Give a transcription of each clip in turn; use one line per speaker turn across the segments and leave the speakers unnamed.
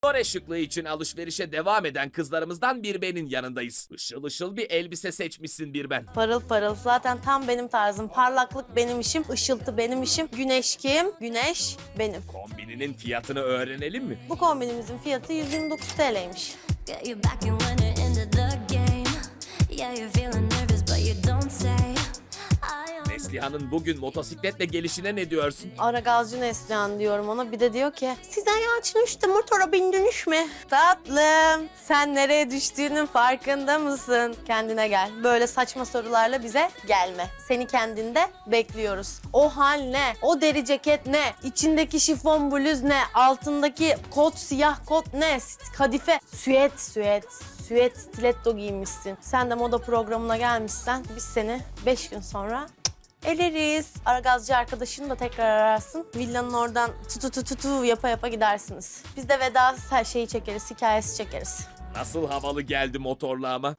Dore şıklığı için alışverişe devam eden kızlarımızdan Birben'in yanındayız. Işıl ışıl bir elbise seçmişsin Birben.
Parıl parıl. Zaten tam benim tarzım. Parlaklık benim işim, ışıltı benim işim. Güneş kim? Güneş benim.
Kombininin fiyatını öğrenelim mi?
Bu kombinimizin fiyatı 129 TL'ymiş.
Get you back and winning into the game. Yeah, you're feeling nervous, but you don't say.
Neslihan'ın bugün motosikletle gelişine ne diyorsun?
Ara gazcı Neslihan diyorum ona. Bir de diyor ki siz ayağın işte motora bindiniz mi? Tatlım sen nereye düştüğünün farkında mısın? Kendine gel. Böyle saçma sorularla bize gelme. Seni kendinde bekliyoruz. O hal ne? O deri ceket ne? İçindeki şifon bluz ne? Altındaki kot, siyah kot ne? Kadife, süet stiletto giymişsin. Sen de moda programına gelmişsen biz seni 5 gün sonra eleriz. Aragazcı arkadaşını da tekrar ararsın. Villanın oradan tutu yapa yapa gidersiniz. Biz de veda her şeyi çekeriz, hikayesi çekeriz.
Nasıl havalı geldi motorla ama.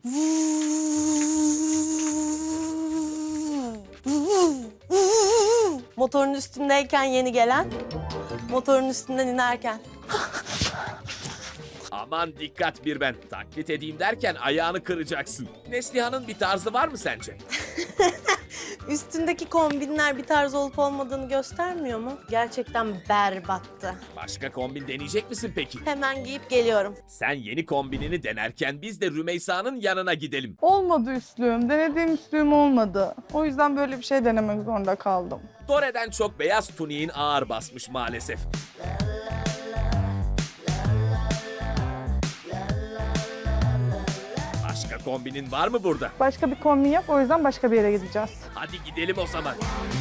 Motorun üstündeyken yeni gelen, motorun üstünden inerken.
Aman dikkat Birben. Taklit edeyim derken ayağını kıracaksın. Neslihan'ın bir tarzı var mı sence?
Üstündeki kombinler bir tarz olup olmadığını göstermiyor mu? Gerçekten berbattı.
Başka kombin deneyecek misin peki?
Hemen giyip geliyorum.
Sen yeni kombinini denerken biz de Rümeysa'nın yanına gidelim.
Olmadı üstlüğüm. Denediğim üstlüğüm olmadı. O yüzden böyle bir şey denemek zorunda kaldım.
Dore'den çok beyaz tuniğin ağır basmış maalesef. Başka kombinin var mı burada?
Başka bir kombin yap, o yüzden başka bir yere gideceğiz.
Hadi gidelim o zaman.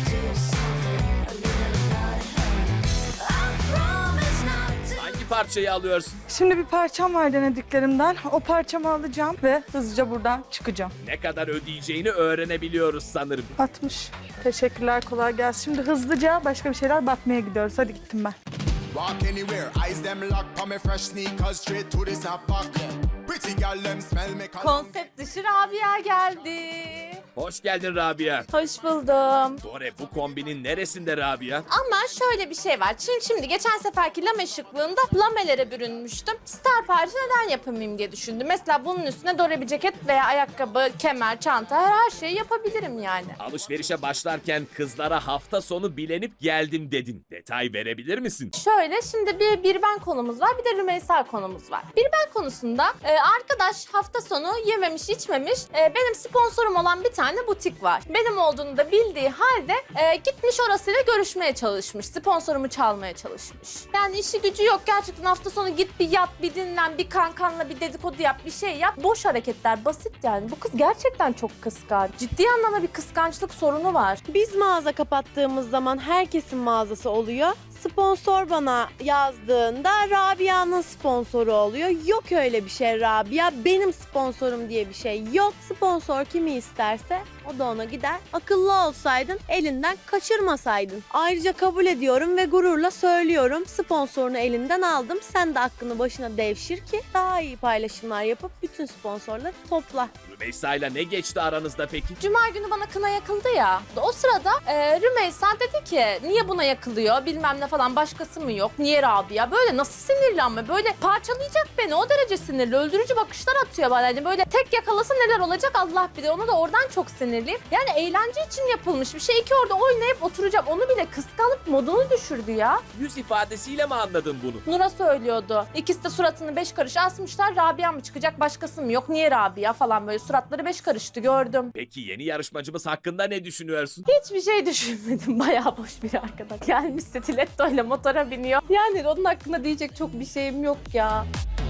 Hangi parçayı alıyorsun?
Şimdi bir parçam var denediklerimden. O parçamı alacağım ve hızlıca buradan çıkacağım.
Ne kadar ödeyeceğini öğrenebiliyoruz sanırım.
60. Teşekkürler, kolay gelsin. Şimdi hızlıca başka bir şeyler bakmaya gidiyoruz. Hadi gittim ben.
Walk anywhere, eyes them lock on me fresh sneakers straight to the snapback. Pretty girl them smell me
Konsept dışı Rabia geldi.
Hoş geldin Rabia.
Hoş buldum.
Dore bu kombinin neresinde Rabia?
Ama şöyle bir şey var. Şimdi geçen seferki lame şıklığında lamelere bürünmüştüm. Star Party neden yapamayayım diye düşündüm. Mesela bunun üstüne Dore bir ceket veya ayakkabı, kemer, çanta her şeyi yapabilirim yani.
Alışverişe başlarken kızlara hafta sonu bilenip geldim dedin. Detay verebilir misin?
Şöyle şimdi bir ben konumuz var, bir de Rümeysa konumuz var. Bir ben konusunda arkadaş hafta sonu yememiş içmemiş benim sponsorum olan bir tane butik var. Benim olduğunu da bildiği halde gitmiş orasıyla görüşmeye çalışmış. Sponsorumu çalmaya çalışmış. Yani işi gücü yok. Gerçekten hafta sonu git bir yat, bir dinlen, bir kankanla bir dedikodu yap, bir şey yap. Boş hareketler, basit yani. Bu kız gerçekten çok kıskanç. Ciddi anlamda bir kıskançlık sorunu var.
Biz mağaza kapattığımız zaman herkesin mağazası oluyor. Sponsor bana yazdığında Rabia'nın sponsoru oluyor. Yok öyle bir şey Rabia. Benim sponsorum diye bir şey yok. Sponsor kimi isterse o da ona gider. Akıllı olsaydın elinden kaçırmasaydın. Ayrıca kabul ediyorum ve gururla söylüyorum. Sponsorunu elinden aldım. Sen de aklını başına devşir ki daha iyi paylaşımlar yapıp bütün sponsorları topla.
Rümeysa ile ne geçti aranızda peki?
Cuma günü bana kına yakıldı ya. O sırada Rümeysa dedi ki niye buna yakılıyor bilmem ne falan, başkası mı yok? Niye Rabia? Böyle nasıl sinirli ama böyle parçalayacak beni, o derece sinirli. Öldürücü bakışlar atıyor bana. Hani böyle tek yakalasa neler olacak Allah bilir. Onu da oradan çok sinirliyim. Yani eğlence için yapılmış bir şey. İki orada oynayıp oturacağım. Onu bile kıskanıp modunu düşürdü ya.
Yüz ifadesiyle mi anladın bunu?
Nur'a söylüyordu. İkisi de suratını 5 karış asmışlar. Rabia mı çıkacak, başkası mı yok? Niye Rabia falan, böyle suratları 5 karıştı, gördüm.
Peki yeni yarışmacımız hakkında ne düşünüyorsun?
Hiçbir şey düşünmedim. Bayağı boş bir arkadaş. Gelmiş stiletto ile motora biniyor. Yani onun hakkında diyecek çok bir şeyim yok ya.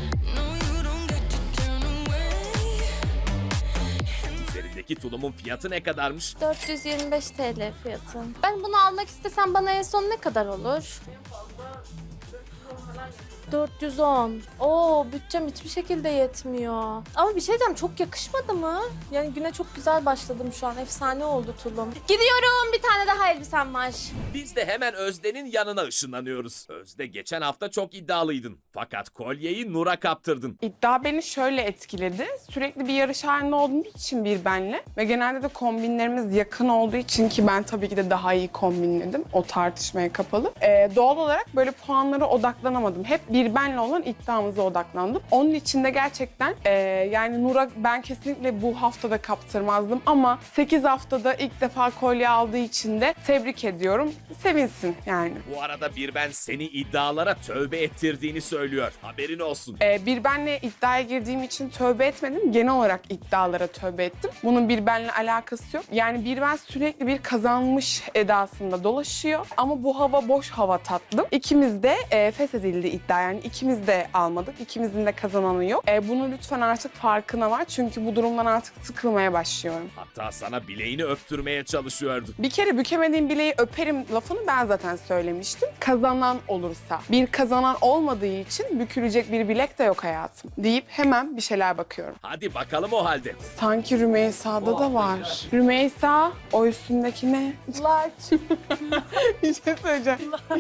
Üzerindeki tulumun fiyatı ne kadarmış?
425 TL fiyatı. Ben bunu almak istesem bana en son ne kadar olur? 410. Oo, bütçem hiçbir şekilde yetmiyor. Ama bir şey diyeceğim, çok yakışmadı mı? Yani güne çok güzel başladım şu an. Efsane oldu tulum. Gidiyorum, bir tane daha elbisem var.
Biz de hemen Özde'nin yanına ışınlanıyoruz. Özde geçen hafta çok iddialıydın. Fakat kolyeyi Nur'a kaptırdın.
İddia beni şöyle etkiledi. Sürekli bir yarış halinde olduğum için bir benle ve genelde de kombinlerimiz yakın olduğu için, ki ben tabii ki de daha iyi kombinledim. O tartışmaya kapalı. Doğal olarak böyle puanlara odaklanıyorum odaklanamadım. Hep bir benle olan iddiamıza odaklandım. Onun için de gerçekten yani Nur'a ben kesinlikle bu haftada kaptırmazdım ama 8 haftada ilk defa kolye aldığı için de tebrik ediyorum. Sevinsin yani.
Bu arada bir ben seni iddialara tövbe ettirdiğini söylüyor. Haberin olsun.
Bir benle iddiaya girdiğim için tövbe etmedim. Genel olarak iddialara tövbe ettim. Bunun bir benle alakası yok. Yani bir ben sürekli bir kazanmış edasında dolaşıyor. Ama bu hava boş hava tatlım. İkimiz de feshedildi iddia. Yani ikimiz de almadık. İkimizin de kazananı yok. Bunu lütfen artık farkına var. Çünkü bu durumdan artık sıkılmaya başlıyorum.
Hatta sana bileğini öptürmeye çalışıyordu.
Bir kere bükemediğim bileği öperim lafını ben zaten söylemiştim. Kazanan olursa. Bir kazanan olmadığı için bükülecek bir bilek de yok hayatım. Deyip hemen bir şeyler bakıyorum.
Hadi bakalım o halde.
Sanki Rümeysa'da da var. Rümeysa, o üstündeki ne?
Large.
Bir şey söyleyeceğim.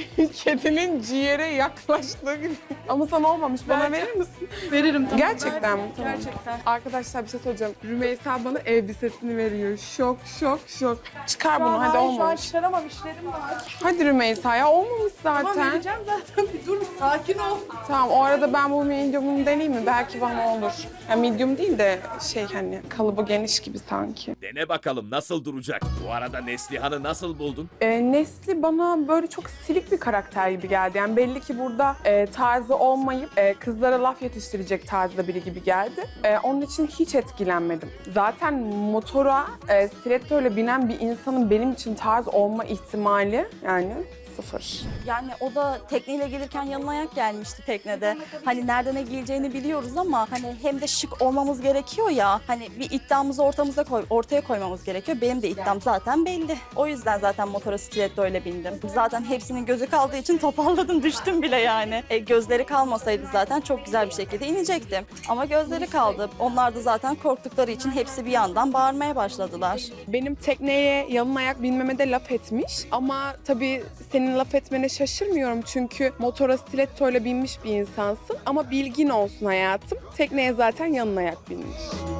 Kedinin ciğere yaklaştığı gibi. Ama sana olmamış. Bana verir misin?
Veririm tamam.
Gerçekten mi? Tamam.
Gerçekten.
Arkadaşlar bir şey söyleyeceğim. Rümeysa bana elbisesini veriyor. Şok, şok, şok. Çıkar
Şu an
bunu hadi
hayır, şu an
olmamış.
çıkaramam, işlerim var.
Hadi Rümeysa ya olmamış
Tamam
zaten.
vereceğim zaten. Bir dur, sakin ol.
Tamam o arada ben bu medium'unu deneyeyim mi? Belki bana olur. Ya medium değil de şey hani kalıbı geniş gibi sanki.
Dene bakalım nasıl duracak. Bu arada Neslihan'ı nasıl buldun?
Nesli bana böyle çok silik bir karakter gibi geldi. Yani belli ki burada tarzı olmayıp kızlara laf yetiştirecek tarzda biri gibi geldi. Onun için hiç etkilenmedim. Zaten motora stiletto ile binen bir insanın benim için tarz olma ihtimali yani sıfır.
Yani o da tekneyle gelirken yanına ayak gelmişti teknede. Hani nerede ne giyeceğini biliyoruz ama hani hem de şık olmamız gerekiyor ya. Hani bir iddiamızı ortaya koymamız gerekiyor. Benim de iddiam zaten belli. O yüzden zaten motora stiletto ile bindim. Zaten hepsinin gözü kaldığı için toparladım, düştüm bile yani. Gözleri kalmasaydı zaten çok güzel bir şekilde inecektim. Ama gözleri kaldı. Onlar da zaten korktukları için hepsi bir yandan bağırmaya başladılar.
Benim tekneye yalın ayak binmeme de laf etmiş ama tabii senin laf etmene şaşırmıyorum çünkü motora stiletto ile binmiş bir insansın ama bilgin olsun hayatım. Tekneye zaten yalın ayak binmiş.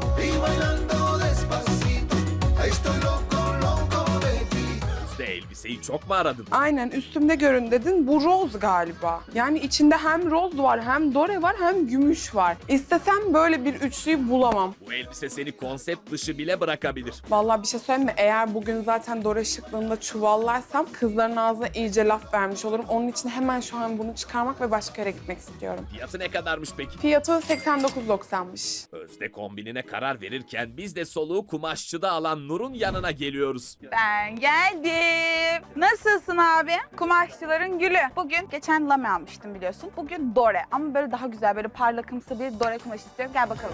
Üstte elbiseyi çok mu aradın?
Aynen üstümde görün dedin. Bu roz galiba. Yani içinde hem roz var, hem dore var, hem gümüş var. İstesem böyle bir üçlüyü bulamam.
Bu elbise seni konsept dışı bile bırakabilir.
Vallahi bir şey söyleyeyim mi? Eğer bugün zaten dore şıklığında çuvallarsam kızların ağzına iyice laf vermiş olurum. Onun için hemen şu an bunu çıkarmak ve başka yere gitmek istiyorum.
Fiyatı ne kadarmış peki?
Fiyatı 89.90'mış.
Özde kombinine karar verirken biz de soluğu kumaşçıda alan Nur'un yanına geliyoruz.
Ben geldim. Nasılsın abi? Kumaşçıların gülü. Bugün geçen lame almıştım biliyorsun. Bugün dore ama böyle daha güzel böyle parlakımsı bir dore kumaş istiyorum. Gel bakalım.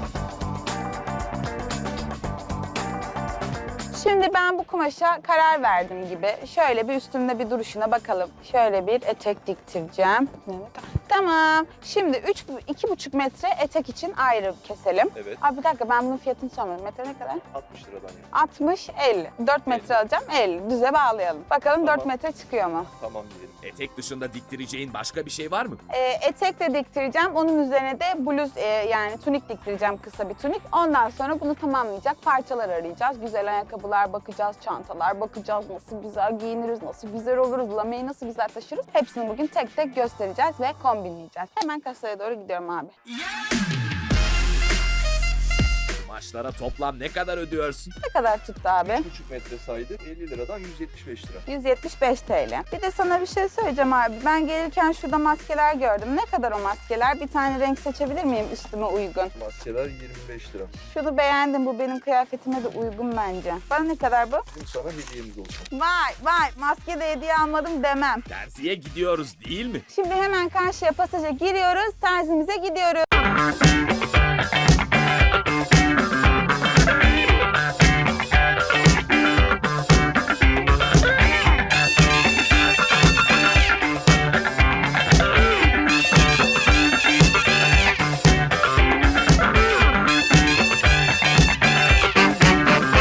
Şimdi ben bu kumaşa karar verdim gibi. Şöyle bir üstümde bir duruşuna bakalım. Şöyle bir etek diktireceğim. Tamam. Şimdi 2,5 metre etek için ayrı keselim.
Evet.
Abi bir dakika ben bunun fiyatını sormadım. Metre ne kadar?
60 liradan yani.
60, 50. 4 metre alacağım, 50. Düze bağlayalım. Bakalım
Tamam.
4 metre çıkıyor mu?
Tamam diyelim.
Etek dışında diktireceğin başka bir şey var mı?
Etek de diktireceğim. Onun üzerine de bluz yani tunik diktireceğim, kısa bir tunik. Ondan sonra bunu tamamlayacak parçalar arayacağız. Güzel ayakkabılar bakacağız, çantalar bakacağız. Nasıl güzel giyiniriz, nasıl güzel oluruz, lameyi nasıl güzel taşırız. Hepsini bugün tek tek göstereceğiz ve kombinleyeceğiz. Hemen kasaya doğru gidiyorum abi.
Kumaşlara toplam ne kadar ödüyorsun?
Ne kadar tuttu abi?
3,5 metre saydı 50 liradan 175 lira.
175 TL. Bir de sana bir şey söyleyeceğim abi. Ben gelirken şurada maskeler gördüm. Ne kadar o maskeler? Bir tane renk seçebilir miyim üstüme uygun?
Maskeler 25 lira.
Şunu beğendim. Bu benim kıyafetime de uygun bence. Bana ne kadar bu?
Bizim sana hediyemiz olsun.
Vay maske de hediye almadım demem.
Terziye gidiyoruz değil mi?
Şimdi hemen karşıya pasaja giriyoruz. Terzimize gidiyoruz.